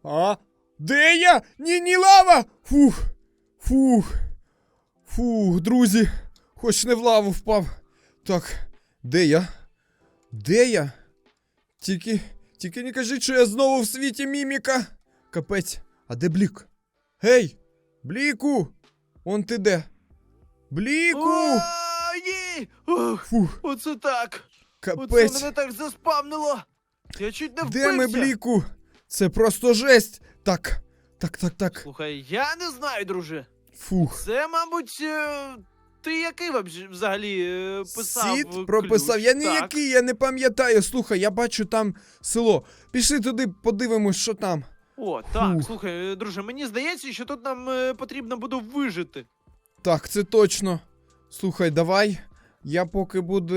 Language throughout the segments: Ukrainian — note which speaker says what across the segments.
Speaker 1: А? Де я? Ні, лава! Фух, друзі. Хоч не в лаву впав. Так, де я? Де я? Тільки не кажіть, що я знову в світі міміка. Капець, а де Блік? Гей! Бліку! Он ти де? Бліку!
Speaker 2: О, ні! Ух,
Speaker 1: Фух,
Speaker 2: оце так! Оце
Speaker 1: капець.
Speaker 2: мене так заспавнило! Я чуть не вбився!
Speaker 1: Де ми, Бліку? Це просто жесть. Так.
Speaker 2: Слухай, я не знаю, друже.
Speaker 1: Фух.
Speaker 2: Це, мабуть, ти який взагалі писав
Speaker 1: Сіт прописав.
Speaker 2: ключ?
Speaker 1: Я
Speaker 2: Так.
Speaker 1: ніякий, я не пам'ятаю. Слухай, я бачу там село. Пішли туди, подивимось, що там.
Speaker 2: О, так,
Speaker 1: Фух.
Speaker 2: слухай, друже, мені здається, що тут нам потрібно буде вижити.
Speaker 1: Так, це точно. Слухай, давай. Я поки буду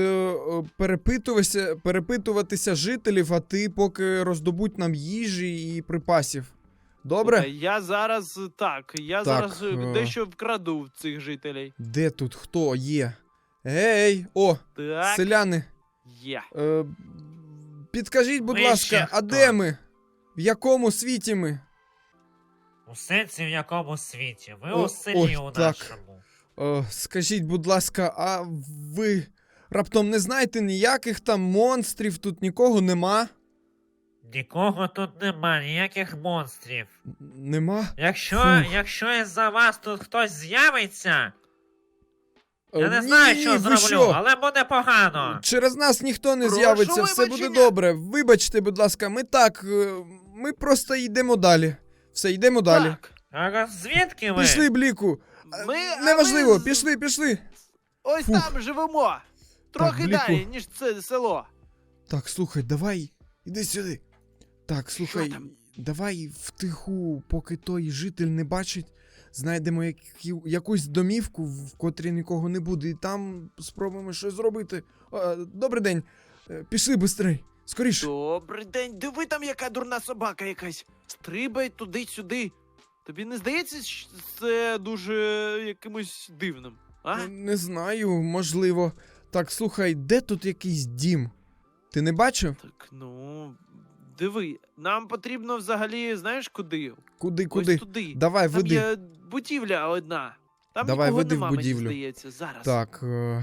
Speaker 1: перепитуватися жителів, а ти поки роздобудь нам їжі і припасів. Добре?
Speaker 2: Слухай, я зараз,
Speaker 1: Так,
Speaker 2: зараз дещо вкраду в цих жителей.
Speaker 1: Де тут хто є? Гей! О,
Speaker 2: Так,
Speaker 1: селяни.
Speaker 2: є.
Speaker 1: Підкажіть, будь
Speaker 3: Ви
Speaker 1: ласка,
Speaker 3: ще
Speaker 1: а
Speaker 3: хто?
Speaker 1: де ми? В якому світі ми?
Speaker 3: У сенсі в якому світі? Ви
Speaker 1: О,
Speaker 3: у селі
Speaker 1: ой,
Speaker 3: у
Speaker 1: так.
Speaker 3: нашому.
Speaker 1: Скажіть, будь ласка, а ви раптом не знаєте ніяких там монстрів, тут нікого нема?
Speaker 3: Нікого тут нема, ніяких монстрів.
Speaker 1: Нема?
Speaker 3: Якщо із-за вас тут хтось з'явиться, я не
Speaker 1: Ні,
Speaker 3: знаю,
Speaker 1: ні,
Speaker 3: що
Speaker 1: ви
Speaker 3: зроблю,
Speaker 1: що?
Speaker 3: але буде погано.
Speaker 1: Через нас ніхто не
Speaker 2: Прошу
Speaker 1: з'явиться, все буде
Speaker 2: вибачення.
Speaker 1: добре. Вибачте, будь ласка, ми просто йдемо далі. Все, йдемо далі.
Speaker 2: Так,
Speaker 3: А звідки ви?
Speaker 1: Пішли, Бліку. Неважливо,
Speaker 2: ми
Speaker 1: пішли.
Speaker 2: ось
Speaker 1: Фух.
Speaker 2: там живемо. Трохи
Speaker 1: Бліку.
Speaker 2: далі, ніж це село.
Speaker 1: Так, слухай, давай, іди сюди. Так, слухай,
Speaker 2: Що там?
Speaker 1: давай втиху, поки той житель не бачить, знайдемо якусь домівку, в котрій нікого не буде, і там спробуємо щось зробити. Добрий день. Пішли бистрей. Скоріше.
Speaker 2: Добрий день, диви там, яка дурна собака якась. Стрибай туди-сюди. Тобі не здається, що це дуже якимось дивним? А?
Speaker 1: Не знаю, можливо. Так, слухай, де тут якийсь дім? Ти не бачив?
Speaker 2: Так, ну, диви, нам потрібно взагалі, знаєш куди?
Speaker 1: Куди?
Speaker 2: Ось туди.
Speaker 1: Давай,
Speaker 2: Там
Speaker 1: веди.
Speaker 2: є будівля одна. Там
Speaker 1: Давай,
Speaker 2: нікого
Speaker 1: веди в
Speaker 2: нема, мені
Speaker 1: будівлю.
Speaker 2: здається, зараз.
Speaker 1: Так,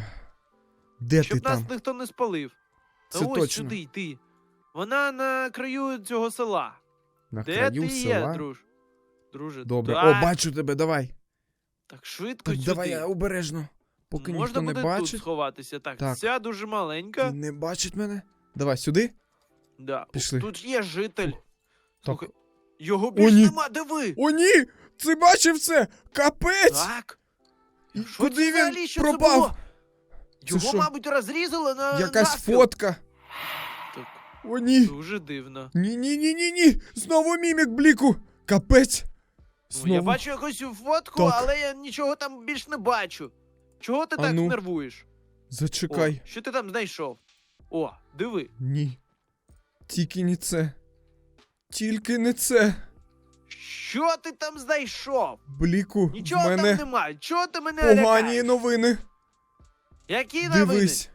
Speaker 1: де
Speaker 2: Щоб
Speaker 1: ти
Speaker 2: нас
Speaker 1: там?
Speaker 2: ніхто не спалив. Та
Speaker 1: Це
Speaker 2: ось
Speaker 1: точно.
Speaker 2: сюди йти. Вона на краю цього села.
Speaker 1: На
Speaker 2: Де
Speaker 1: краю
Speaker 2: ти
Speaker 1: села?
Speaker 2: є, друже?
Speaker 1: Добре.
Speaker 2: Так,
Speaker 1: О, бачу тебе, давай.
Speaker 2: так швидко
Speaker 1: Так,
Speaker 2: сюди.
Speaker 1: давай обережно. Поки
Speaker 2: Можна
Speaker 1: ніхто не
Speaker 2: буде тут
Speaker 1: бачить.
Speaker 2: сховатися. Так,
Speaker 1: Так.
Speaker 2: ця дуже маленька.
Speaker 1: І не бачить мене. Давай сюди.
Speaker 2: Да.
Speaker 1: Пішли.
Speaker 2: Тут є житель. Слухай,
Speaker 1: Так.
Speaker 2: його більш
Speaker 1: ні.
Speaker 2: нема, диви!
Speaker 1: О, ні! Ти бачив це? Капець!
Speaker 2: Так. Що
Speaker 1: Куди
Speaker 2: це
Speaker 1: він
Speaker 2: взагалі? Що
Speaker 1: пропав?
Speaker 2: Це було?
Speaker 1: Це
Speaker 2: Його,
Speaker 1: що?
Speaker 2: мабуть, розрізали на
Speaker 1: Якась
Speaker 2: навпіл.
Speaker 1: фотка.
Speaker 2: Так,
Speaker 1: О, ні.
Speaker 2: дуже дивно.
Speaker 1: Ні. Знову мімік, Бліку. Капець.
Speaker 2: Ну, я бачу якусь фотку,
Speaker 1: Так.
Speaker 2: але я нічого там більш не бачу. Чого ти
Speaker 1: А
Speaker 2: так
Speaker 1: ну.
Speaker 2: нервуєш?
Speaker 1: Зачекай.
Speaker 2: О, що ти там знайшов? О, диви.
Speaker 1: Ні. Тільки не це. Тільки не це.
Speaker 2: Що ти там знайшов?
Speaker 1: Бліку,
Speaker 2: Нічого
Speaker 1: в мене
Speaker 2: там немає. Чого ти мене
Speaker 1: погані
Speaker 2: лякаєш?
Speaker 1: новини.
Speaker 2: Які новини?
Speaker 1: Дивись.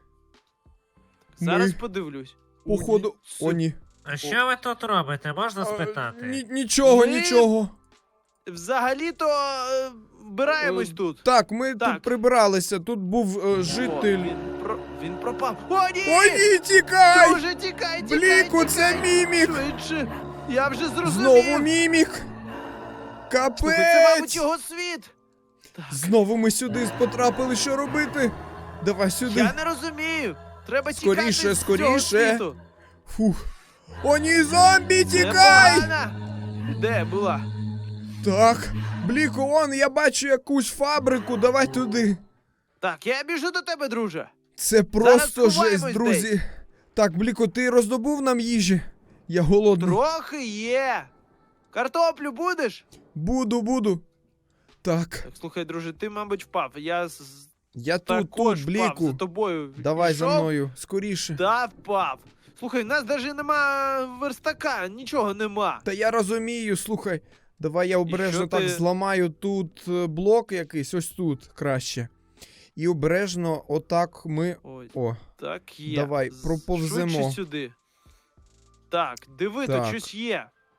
Speaker 2: Зараз
Speaker 1: ми,
Speaker 2: подивлюсь.
Speaker 1: Походу. О, ні.
Speaker 3: А що ви тут робите, можна спитати?
Speaker 1: Нічого,
Speaker 2: Ми-
Speaker 1: нічого.
Speaker 2: Взагалі-то вбираємось тут.
Speaker 1: Так, ми
Speaker 2: Так.
Speaker 1: тут прибиралися. Тут був
Speaker 2: О,
Speaker 1: житель.
Speaker 2: він пропав. О, ні!
Speaker 1: О, ні, тікай!
Speaker 2: Дуже тікай,
Speaker 1: Бліку, це мімік!
Speaker 2: Швидше. Я вже зрозумів.
Speaker 1: Знову мімік!
Speaker 2: Слухай, це, мабуть,
Speaker 1: Капець!
Speaker 2: його світ. Так.
Speaker 1: Знову ми сюди потрапили, що робити? Давай сюди.
Speaker 2: Я не розумію. Треба
Speaker 1: Скоріше,
Speaker 2: тікати з
Speaker 1: скоріше.
Speaker 2: цього світу.
Speaker 1: Фух. О, ні, зомбі,
Speaker 2: Це
Speaker 1: тікай!
Speaker 2: погано. Де була?
Speaker 1: Так, Бліку, он, я бачу якусь фабрику, давай туди.
Speaker 2: Так, я біжу до тебе, друже.
Speaker 1: Це просто
Speaker 2: сховаємось
Speaker 1: жесть, друзі. Так, Бліку, ти роздобув нам їжі? Я голодний.
Speaker 2: Трохи є. Картоплю будеш?
Speaker 1: Буду. Так,
Speaker 2: Так, слухай, друже, ти, мабуть, впав. Я
Speaker 1: я тут,
Speaker 2: також впав
Speaker 1: Бліку.
Speaker 2: за тобою.
Speaker 1: Давай за
Speaker 2: Пішов?
Speaker 1: мною, скоріше.
Speaker 2: Да, впав. Слухай, в нас навіть нема верстака, нічого нема.
Speaker 1: Та я розумію, слухай. Давай я обережно
Speaker 2: що
Speaker 1: так
Speaker 2: ти-
Speaker 1: зламаю тут блок якийсь, ось тут краще. І обережно отак ми.
Speaker 2: Ой,
Speaker 1: О,
Speaker 2: так є.
Speaker 1: давай, проповземо.
Speaker 2: Швидше сюди. Так, диви,
Speaker 1: Так.
Speaker 2: тут щось є.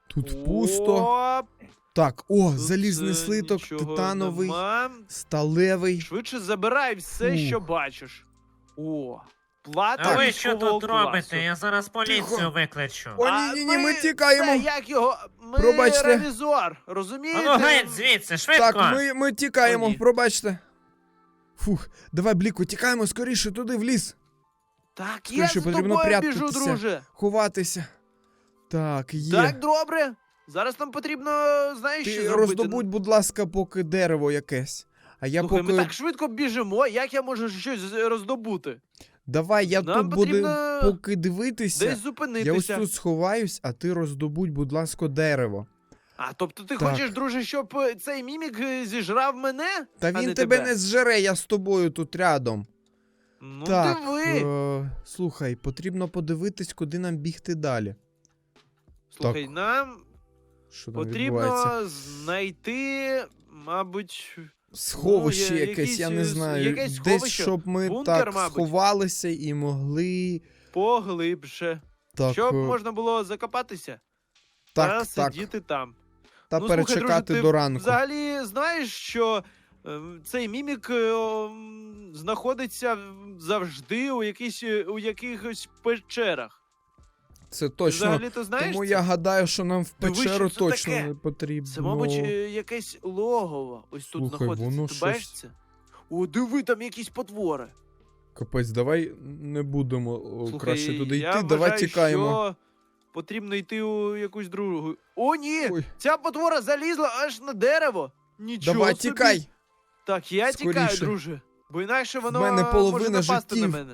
Speaker 1: Тут пусто.
Speaker 2: Оп,
Speaker 1: Так, о,
Speaker 2: тут,
Speaker 1: залізний слиток,
Speaker 2: нічого
Speaker 1: титановий,
Speaker 2: нема.
Speaker 1: сталевий.
Speaker 2: Швидше забирай все,
Speaker 1: Фух.
Speaker 2: що бачиш. О, плата
Speaker 3: А ви що
Speaker 2: військового
Speaker 3: тут
Speaker 2: класу.
Speaker 3: робите? Я зараз поліцію
Speaker 1: Тихо.
Speaker 3: викличу.
Speaker 1: О,
Speaker 2: А
Speaker 1: ні, ми
Speaker 2: це
Speaker 1: тікаємо.
Speaker 2: як його? Ми
Speaker 1: Пробачте.
Speaker 2: ревізор, розумієте?
Speaker 3: А ну геть звідси, швидко!
Speaker 1: Так, ми тікаємо,
Speaker 2: О, ні.
Speaker 1: пробачте. Фух, давай, Бліку, тікаємо скоріше туди, в ліс.
Speaker 2: Так, я
Speaker 1: Скоріше
Speaker 2: з
Speaker 1: потрібно
Speaker 2: тобою біжу,
Speaker 1: прятатися.
Speaker 2: друже.
Speaker 1: Ховатися. Так, є.
Speaker 2: Так, добре. Зараз нам потрібно, знаєш, що
Speaker 1: Ти
Speaker 2: зробити?
Speaker 1: роздобудь, будь ласка, поки дерево якесь. А я
Speaker 2: Слухай,
Speaker 1: поки.
Speaker 2: ми так швидко біжимо, як я можу щось роздобути?
Speaker 1: Давай, я
Speaker 2: Нам
Speaker 1: тут буду
Speaker 2: потрібно
Speaker 1: поки дивитися.
Speaker 2: Десь
Speaker 1: Я ось
Speaker 2: зупинитися.
Speaker 1: тут сховаюсь, а ти роздобудь, будь ласка, дерево.
Speaker 2: А, тобто ти
Speaker 1: Так.
Speaker 2: хочеш, друже, щоб цей мімік зіжрав мене?
Speaker 1: Та
Speaker 2: а
Speaker 1: він
Speaker 2: не
Speaker 1: тебе
Speaker 2: тебе.
Speaker 1: не зжере, я з тобою тут рядом.
Speaker 2: Ну,
Speaker 1: Так,
Speaker 2: диви.
Speaker 1: слухай, потрібно подивитись, куди нам бігти далі.
Speaker 2: Слухай, нам
Speaker 1: Що там відбувається?
Speaker 2: потрібно знайти, мабуть,
Speaker 1: Сховище
Speaker 2: Ну,
Speaker 1: якесь, я не
Speaker 2: якісь,
Speaker 1: знаю.
Speaker 2: якесь
Speaker 1: Десь,
Speaker 2: сховище.
Speaker 1: щоб ми
Speaker 2: Бункер,
Speaker 1: так
Speaker 2: мабуть.
Speaker 1: сховалися і могли.
Speaker 2: поглибше.
Speaker 1: Так,
Speaker 2: Щоб можна було закопатися та
Speaker 1: так, так.
Speaker 2: сидіти там.
Speaker 1: Та
Speaker 2: Ну, слухай,
Speaker 1: перечекати
Speaker 2: друже, ти
Speaker 1: до ранку.
Speaker 2: Взагалі знаєш, що цей мімік знаходиться завжди у якихось печерах.
Speaker 1: Це
Speaker 2: Ти
Speaker 1: точно.
Speaker 2: взагалі-то знаєш
Speaker 1: Тому
Speaker 2: це?
Speaker 1: я гадаю, що нам в
Speaker 2: Диви,
Speaker 1: печеру
Speaker 2: що це
Speaker 1: точно
Speaker 2: таке?
Speaker 1: не потрібно.
Speaker 2: Це, мабуть, якесь логово. Ось тут
Speaker 1: Слухай,
Speaker 2: знаходиться.
Speaker 1: воно
Speaker 2: Ти бачиш
Speaker 1: щось-
Speaker 2: це? О, диви, там якісь потвори.
Speaker 1: Капець, давай не будемо
Speaker 2: Слухай,
Speaker 1: краще туди
Speaker 2: я
Speaker 1: йти, давай
Speaker 2: вважаю,
Speaker 1: тікаємо.
Speaker 2: що потрібно йти у якусь другу. О, ні!
Speaker 1: Ой,
Speaker 2: Ця потвора залізла аж на дерево. Нічого
Speaker 1: давай
Speaker 2: собі.
Speaker 1: тікай!
Speaker 2: Так, я тікаю,
Speaker 1: Скоріше.
Speaker 2: друже. Бо інакше воно
Speaker 1: мене половина
Speaker 2: може напасти
Speaker 1: життів.
Speaker 2: на мене.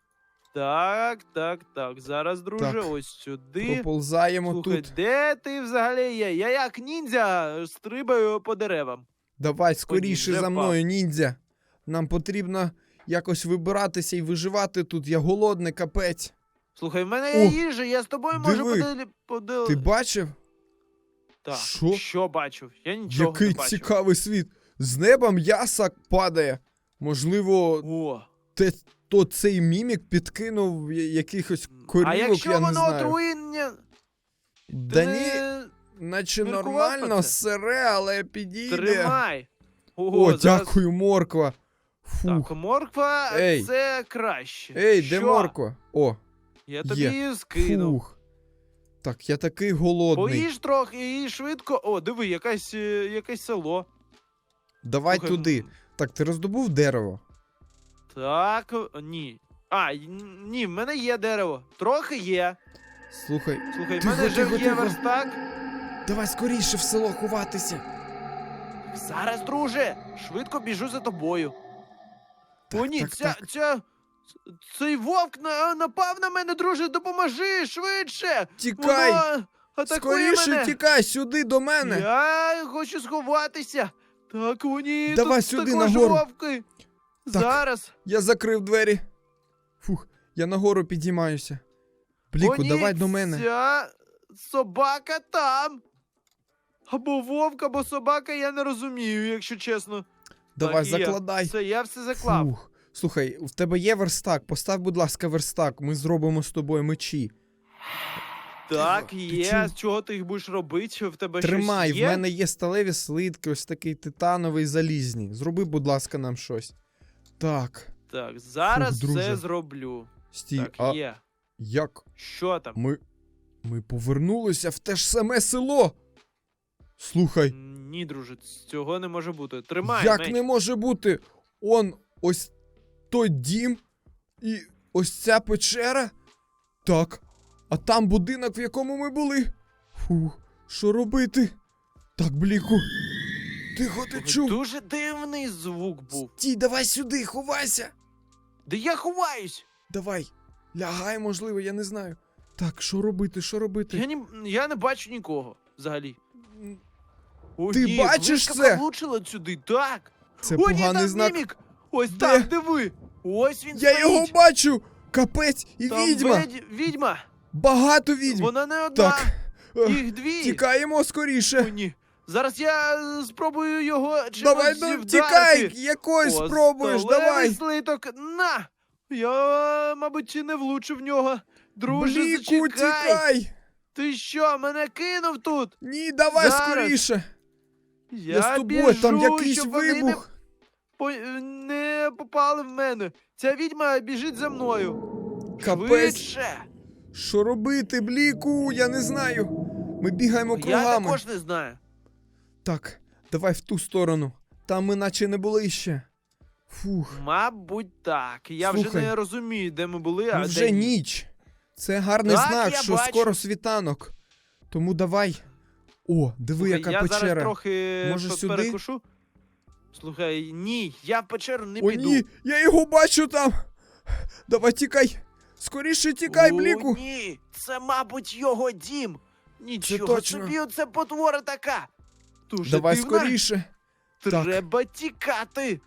Speaker 2: Так. Зараз, друже,
Speaker 1: Так.
Speaker 2: ось сюди.
Speaker 1: Проползаємо
Speaker 2: Слухай,
Speaker 1: тут.
Speaker 2: де ти взагалі є? Я як ніндзя стрибаю по деревам.
Speaker 1: Давай скоріше
Speaker 2: вже
Speaker 1: за
Speaker 2: впав.
Speaker 1: мною, ніндзя. Нам потрібно якось вибиратися і виживати тут. Я голодний, капець.
Speaker 2: Слухай, в мене є
Speaker 1: О,
Speaker 2: їжа, я з тобою можу
Speaker 1: диви. Ти бачив?
Speaker 2: Так,
Speaker 1: Що?
Speaker 2: що бачив? Я нічого
Speaker 1: Який
Speaker 2: не бачив.
Speaker 1: цікавий світ. З неба м'ясо падає. Можливо,
Speaker 2: О,
Speaker 1: то цей мімік підкинув якихось корівок,
Speaker 2: а якщо
Speaker 1: я не
Speaker 2: воно
Speaker 1: знаю.
Speaker 2: отруєння,
Speaker 1: Да
Speaker 2: ти
Speaker 1: ні,
Speaker 2: не
Speaker 1: наче
Speaker 2: міркував
Speaker 1: нормально,
Speaker 2: про це?
Speaker 1: сире, але підійде.
Speaker 2: тримай.
Speaker 1: О,
Speaker 2: зараз-
Speaker 1: дякую, морква. Фух.
Speaker 2: Так, морква
Speaker 1: Ей.
Speaker 2: це краще.
Speaker 1: Ей,
Speaker 2: Що?
Speaker 1: де морква? О,
Speaker 2: Я тобі
Speaker 1: Є.
Speaker 2: скинув.
Speaker 1: фух. Так, я такий голодний.
Speaker 2: Поїж трохи і швидко. О, диви, якесь село.
Speaker 1: Давай
Speaker 2: Слухай,
Speaker 1: туди.
Speaker 2: м,
Speaker 1: Так, ти роздобув дерево?
Speaker 2: Так, ні. А, ні, в мене є дерево. Трохи є.
Speaker 1: Слухай,
Speaker 2: Слухай, в
Speaker 1: Тихо,
Speaker 2: мене
Speaker 1: тихо,
Speaker 2: же є
Speaker 1: тихо.
Speaker 2: верстак.
Speaker 1: давай скоріше в село ховатися.
Speaker 2: Зараз, друже, швидко біжу за тобою.
Speaker 1: Так,
Speaker 2: О, ні,
Speaker 1: так, так.
Speaker 2: цей вовк напав на мене, друже, допоможи швидше!
Speaker 1: Тікай!
Speaker 2: Воно атакує
Speaker 1: Скоріше
Speaker 2: мене!
Speaker 1: тікай сюди до мене.
Speaker 2: Я хочу сховатися. Так, о, ні,
Speaker 1: Давай
Speaker 2: тут
Speaker 1: сюди,
Speaker 2: також
Speaker 1: нагору.
Speaker 2: вовки. Зараз.
Speaker 1: Я закрив двері. Фух, я нагору підіймаюся. Бліку,
Speaker 2: О, ні,
Speaker 1: давай до мене.
Speaker 2: Ця собака там. Або вовк, або собака, я не розумію, якщо чесно.
Speaker 1: Давай,
Speaker 2: Так, є.
Speaker 1: закладай.
Speaker 2: Все, я все заклав.
Speaker 1: Фух. Слухай, в тебе є верстак? Постав, будь ласка, верстак. Ми зробимо з тобою мечі.
Speaker 2: Так,
Speaker 1: Ти
Speaker 2: є.
Speaker 1: чув?
Speaker 2: З чого ти їх будеш робити? В тебе
Speaker 1: Тримай,
Speaker 2: щось
Speaker 1: в
Speaker 2: є?
Speaker 1: мене є сталеві слитки, ось такий титановий залізні. Зроби, будь ласка, нам щось. Так,
Speaker 2: Так, зараз
Speaker 1: Фух, друже.
Speaker 2: все зроблю.
Speaker 1: стій,
Speaker 2: Так,
Speaker 1: а
Speaker 2: є.
Speaker 1: як?
Speaker 2: Що там?
Speaker 1: Ми повернулися в те ж саме село. Слухай,
Speaker 2: Ні, друже, цього не може бути. Тримай,
Speaker 1: як
Speaker 2: меч.
Speaker 1: не може бути? Ось той дім і ось ця печера? Так, а там будинок, в якому ми були. Фух, що робити? Так, Бліку. Тихо, ти чув?
Speaker 2: Дуже дивний звук був.
Speaker 1: Стій, давай сюди, ховайся.
Speaker 2: Де я ховаюсь?
Speaker 1: Давай, лягай, можливо, я не знаю. Так, що робити, що робити?
Speaker 2: Я не бачу нікого взагалі. О,
Speaker 1: Ти
Speaker 2: ні,
Speaker 1: бачиш
Speaker 2: блискавка
Speaker 1: це?
Speaker 2: влучила сюди, так.
Speaker 1: Це
Speaker 2: О, ні,
Speaker 1: поганий
Speaker 2: там
Speaker 1: знак.
Speaker 2: мімік. Ось
Speaker 1: Де?
Speaker 2: там, диви. Ось він
Speaker 1: Я
Speaker 2: стоїть.
Speaker 1: його бачу! Капець і
Speaker 2: Там
Speaker 1: відьма!
Speaker 2: відьма.
Speaker 1: Багато відьм!
Speaker 2: Вона не одна.
Speaker 1: Так, ех,
Speaker 2: Їх дві.
Speaker 1: тікаємо
Speaker 2: О,
Speaker 1: скоріше!
Speaker 2: ні. Зараз я спробую його чимось
Speaker 1: Давай, ну,
Speaker 2: вдарити.
Speaker 1: тікай! Якось
Speaker 2: О,
Speaker 1: спробуєш,
Speaker 2: сталевий
Speaker 1: давай!
Speaker 2: слиток, на! Я, мабуть, не влучив в нього. Друже,
Speaker 1: Бліку,
Speaker 2: зачекай.
Speaker 1: тікай!
Speaker 2: Ти що, мене кинув тут?
Speaker 1: Ні, давай
Speaker 2: Зараз.
Speaker 1: скоріше. Я з тобою,
Speaker 2: біжу,
Speaker 1: там якийсь
Speaker 2: щоб вони
Speaker 1: вибух.
Speaker 2: не попали в мене. Ця відьма біжить за мною.
Speaker 1: Капець.
Speaker 2: Швидше.
Speaker 1: Що робити, Бліку? Я не знаю. Ми бігаємо
Speaker 2: Я
Speaker 1: кругами.
Speaker 2: також не знаю.
Speaker 1: Так, давай в ту сторону. Там ми наче не були ще. Фух,
Speaker 2: Мабуть, так. Я
Speaker 1: Слухай,
Speaker 2: вже не розумію, де ми були, а
Speaker 1: ну
Speaker 2: де
Speaker 1: вже
Speaker 2: ні.
Speaker 1: ніч. Це гарний
Speaker 2: Так,
Speaker 1: знак,
Speaker 2: я
Speaker 1: що
Speaker 2: бачу.
Speaker 1: скоро світанок. Тому давай. О, диви,
Speaker 2: Слухай,
Speaker 1: яка
Speaker 2: я
Speaker 1: печера.
Speaker 2: зараз трохи
Speaker 1: Може, сюди?
Speaker 2: перекушу. Слухай, ні, я в печеру не
Speaker 1: О,
Speaker 2: піду.
Speaker 1: ні, я його бачу там. Давай тікай. Скоріше тікай,
Speaker 2: О,
Speaker 1: Бліку.
Speaker 2: ні, це, мабуть, його дім. Нічого
Speaker 1: точно.
Speaker 2: собі, оце потвора така. Дуже
Speaker 1: Давай
Speaker 2: дивна.
Speaker 1: скоріше. Так.
Speaker 2: Треба тікати.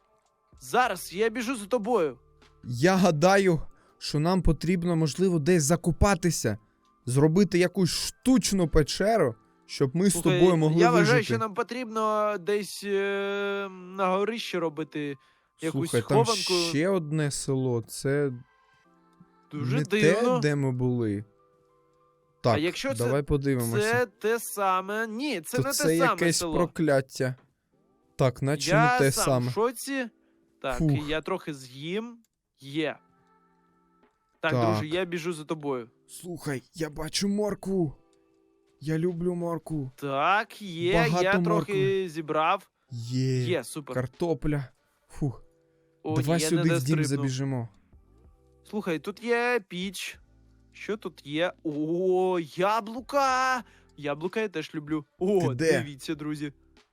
Speaker 2: Зараз я біжу за тобою.
Speaker 1: Я гадаю, що нам потрібно, можливо, десь закопатися. Зробити якусь штучну печеру, щоб ми з
Speaker 2: Слухай,
Speaker 1: тобою могли
Speaker 2: я
Speaker 1: вижити.
Speaker 2: вважаю, що нам потрібно десь на горищі робити якусь
Speaker 1: Слухай, там
Speaker 2: схованку.
Speaker 1: ще одне село. Це
Speaker 2: Дуже
Speaker 1: не
Speaker 2: дивно.
Speaker 1: те, де ми були. Так,
Speaker 2: якщо це-
Speaker 1: давай подивимося.
Speaker 2: Це те саме. Ні, це
Speaker 1: То
Speaker 2: не
Speaker 1: це
Speaker 2: те саме
Speaker 1: якесь
Speaker 2: село.
Speaker 1: прокляття. Так, наче
Speaker 2: Я
Speaker 1: не те
Speaker 2: сам
Speaker 1: саме.
Speaker 2: в шоці. Так,
Speaker 1: Фух.
Speaker 2: я трохи з'їм. Є. Так,
Speaker 1: Так.
Speaker 2: друже, я біжу за тобою.
Speaker 1: Слухай, я бачу моркву. Я люблю моркву.
Speaker 2: Так, є,
Speaker 1: Багато
Speaker 2: я трохи
Speaker 1: моркви.
Speaker 2: зібрав.
Speaker 1: Є.
Speaker 2: Є, супер.
Speaker 1: Картопля. Фух.
Speaker 2: О,
Speaker 1: Давай
Speaker 2: ні, я
Speaker 1: сюди
Speaker 2: не
Speaker 1: в дім
Speaker 2: дострибнув.
Speaker 1: забіжимо.
Speaker 2: Слухай, тут є піч. Що тут є? О, яблука! Яблука я теж люблю. О,
Speaker 1: Ти де?
Speaker 2: дивіться, друзі.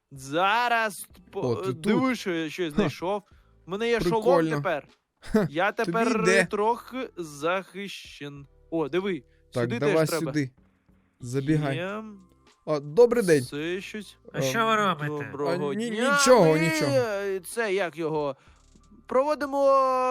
Speaker 2: Зараз
Speaker 1: О, ти тут?
Speaker 2: дивись, що я щось знайшов. У мене є шолом
Speaker 1: Прикольно.
Speaker 2: тепер.
Speaker 1: Ха,
Speaker 2: Я тепер
Speaker 1: йде.
Speaker 2: трохи захищен. О, диви,
Speaker 1: Так,
Speaker 2: сюди
Speaker 1: давай
Speaker 2: теж треба.
Speaker 1: сюди. Забігай.
Speaker 2: Є.
Speaker 1: О, добрий день.
Speaker 2: Це щось.
Speaker 3: А що ви робите?
Speaker 2: Доброго
Speaker 1: А, ні-
Speaker 2: дня.
Speaker 1: нічого,
Speaker 2: Ми,
Speaker 1: нічого.
Speaker 2: Це як його? Проводимо.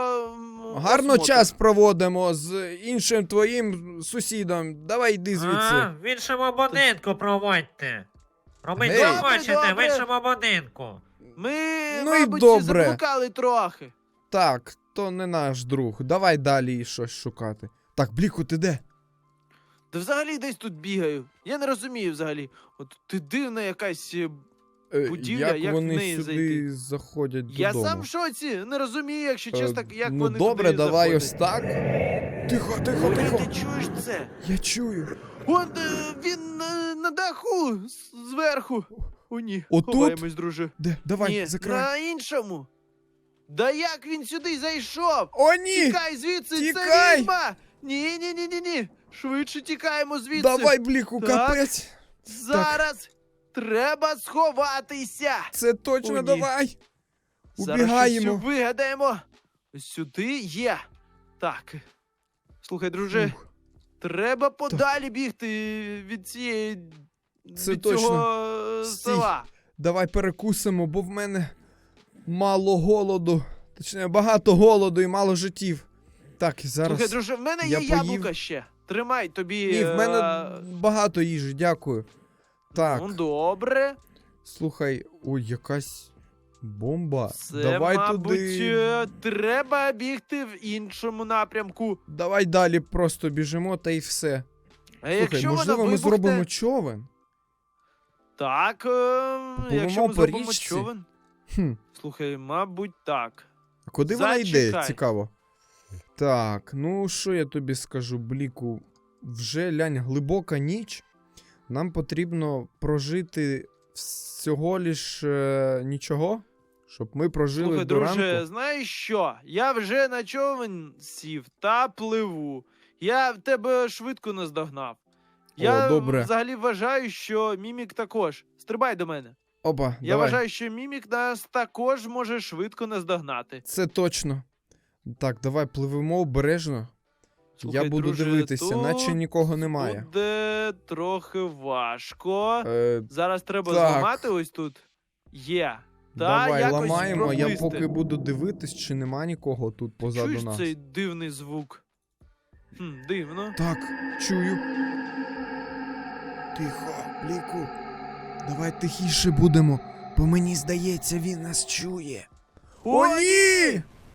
Speaker 1: Гарно
Speaker 2: осмотр.
Speaker 1: час проводимо з іншим твоїм сусідом. Давай йди звідси.
Speaker 3: А, в іншому будинку проводьте. Робіть,
Speaker 1: Гей.
Speaker 3: що
Speaker 2: Добре,
Speaker 3: хочете, в
Speaker 2: добре.
Speaker 3: іншому будинку.
Speaker 2: Ми,
Speaker 1: Ну і
Speaker 2: мабуть,
Speaker 1: добре.
Speaker 2: заблукали трохи.
Speaker 1: Так, то не наш друг. Давай далі щось шукати. Так, Бліку, ти де?
Speaker 2: Та взагалі десь тут бігаю. Я не розумію взагалі. От ти дивна якась. Будівля, як в
Speaker 1: вони
Speaker 2: неї
Speaker 1: сюди
Speaker 2: зайти?
Speaker 1: заходять
Speaker 2: Я
Speaker 1: додому?
Speaker 2: сам в шоці. Не розумію, якщо чесно, як
Speaker 1: ну
Speaker 2: вони
Speaker 1: добре,
Speaker 2: туди
Speaker 1: давай
Speaker 2: заходять.
Speaker 1: ось так. Тихо, тихо,
Speaker 2: Ой,
Speaker 1: тихо.
Speaker 2: ти чуєш це?
Speaker 1: Я чую.
Speaker 2: Он він на даху зверху. О, ні.
Speaker 1: Отут?
Speaker 2: Ховаємось, друже.
Speaker 1: Де? Давай,
Speaker 2: Ні,
Speaker 1: закривай.
Speaker 2: на іншому. Да як він сюди зайшов?
Speaker 1: О, ні!
Speaker 2: Тікай звідси,
Speaker 1: Тікай!
Speaker 2: це відьма! Ні. Швидше тікаємо звідси.
Speaker 1: Давай, Бліку,
Speaker 2: Так.
Speaker 1: капець.
Speaker 2: Зараз треба сховатися.
Speaker 1: Це точно
Speaker 2: О, ні.
Speaker 1: давай.
Speaker 2: Зараз
Speaker 1: Убігаємо.
Speaker 2: щось вигадаємо. Сюди є. Так. Слухай, друже,
Speaker 1: Ух,
Speaker 2: треба подалі бігти від цієї.
Speaker 1: Це
Speaker 2: від
Speaker 1: точно.
Speaker 2: цього
Speaker 1: Стій.
Speaker 2: села.
Speaker 1: Давай перекусимо, бо в мене мало голоду. Точніше, багато голоду і мало життів. Так, і зараз.
Speaker 2: Слухай, друже, в мене
Speaker 1: я
Speaker 2: є
Speaker 1: поїв.
Speaker 2: яблука ще. Тримай тобі.
Speaker 1: Ні, в мене багато їжі, дякую. Так,
Speaker 2: Ну, добре.
Speaker 1: слухай, ой, якась бомба.
Speaker 2: Це,
Speaker 1: Давай
Speaker 2: мабуть,
Speaker 1: туди.
Speaker 2: треба бігти в іншому напрямку.
Speaker 1: Давай далі просто біжимо та й все.
Speaker 2: А
Speaker 1: Слухай,
Speaker 2: якщо
Speaker 1: можливо,
Speaker 2: вона
Speaker 1: ми
Speaker 2: вибухне...
Speaker 1: зробимо човен.
Speaker 2: Так,
Speaker 1: Попливемо
Speaker 2: якщо ми
Speaker 1: по
Speaker 2: зробимо
Speaker 1: річці.
Speaker 2: човен.
Speaker 1: Хм.
Speaker 2: Слухай, мабуть, так.
Speaker 1: А куди вона йде?
Speaker 2: Зачекай.
Speaker 1: Цікаво. Так, ну що я тобі скажу, Бліку? Вже лянь глибока ніч. Нам потрібно прожити всього лиш нічого, щоб ми прожили
Speaker 2: Слухай,
Speaker 1: до
Speaker 2: друже,
Speaker 1: ранку.
Speaker 2: знаєш що? Я вже на човен сів та пливу. Я в тебе швидко наздогнав. Я
Speaker 1: добре.
Speaker 2: взагалі вважаю, що Мімік також. Стрибай до мене.
Speaker 1: Опа,
Speaker 2: Я
Speaker 1: давай.
Speaker 2: вважаю, що Мімік нас також може швидко наздогнати.
Speaker 1: Це точно. Так, давай пливемо обережно.
Speaker 2: Слухай,
Speaker 1: я буду
Speaker 2: друже,
Speaker 1: дивитися,
Speaker 2: тут
Speaker 1: наче нікого немає.
Speaker 2: Буде трохи важко.
Speaker 1: Е,
Speaker 2: Зараз треба
Speaker 1: так.
Speaker 2: зламати ось тут. Є. Та
Speaker 1: давай
Speaker 2: якось
Speaker 1: ламаємо, я
Speaker 2: проплисти.
Speaker 1: поки буду дивитись, чи нема нікого тут позаду
Speaker 2: Чуєш
Speaker 1: нас.
Speaker 2: цей дивний звук? Дивно.
Speaker 1: Так, чую. Тихо, Бліку. Давай тихіше будемо, бо мені здається, він нас чує. О, ні!